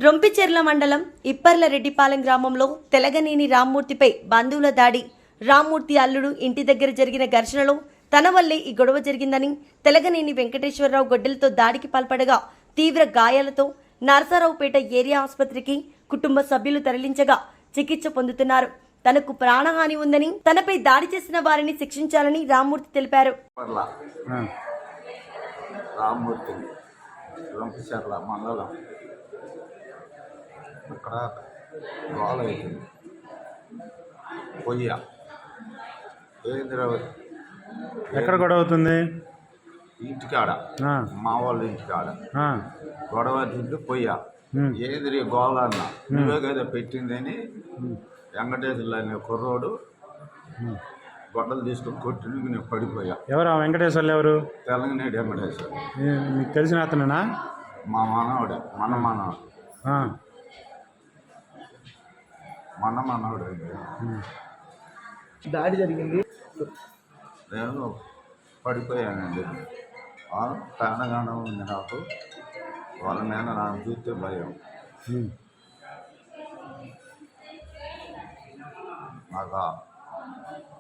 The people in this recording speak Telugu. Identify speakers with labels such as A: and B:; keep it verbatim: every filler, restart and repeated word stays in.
A: రొంపిచెర్ల మండలం ఇప్పర్లరెడ్డిపాలెం గ్రామంలో తెలగనేని రామ్మూర్తిపై బంధువుల దాడి. రామ్మూర్తి అల్లుడు ఇంటి దగ్గర జరిగిన ఘర్షణలో తన వల్లే ఈ గొడవ జరిగిందని తెలగనేని వెంకటేశ్వరరావు గొడ్డలతో దాడికి పాల్పడగా తీవ్ర గాయాలతో నరసరావుపేట ఏరియా ఆసుపత్రికి కుటుంబ సభ్యులు తరలించగా చికిత్స పొందుతున్నారు. తనకు ప్రాణహాని ఉందని, తనపై దాడి చేసిన వారిని శిక్షించాలని రామ్మూర్తి తెలిపారు.
B: రామ్మూర్తి రొంపిచెర్ల మండలం అక్కడ గోల అవుతుంది. పొయ్య ఏంద్రవతి
C: ఎక్కడ గొడవ అవుతుంది?
B: ఇంటికాడ, మా వాళ్ళ ఇంటికాడ గొడవ తింటూ పొయ్య ఏంద్రి గోల అన్న నువ్వే కదా పెట్టిందని వెంకటేశ్వర్లు అనే కుర్రోడు గొడ్డలు తీసుకొని కొట్టి నేను పడిపోయా.
C: ఎవరు ఆ వెంకటేశ్వర్లు? ఎవరు?
B: తెలంగాణ వెంకటేశ్వర్.
C: మీకు తెలిసిన అతనేనా?
B: మా మనవడే, మన మనవడు మన మనవడు
D: దాడి జరిగింది.
B: నేను పడిపోయానండి. ప్రాణగానం ఉంది నాకు. వాళ్ళ మీద నాకు చూస్తే భయం. నాకు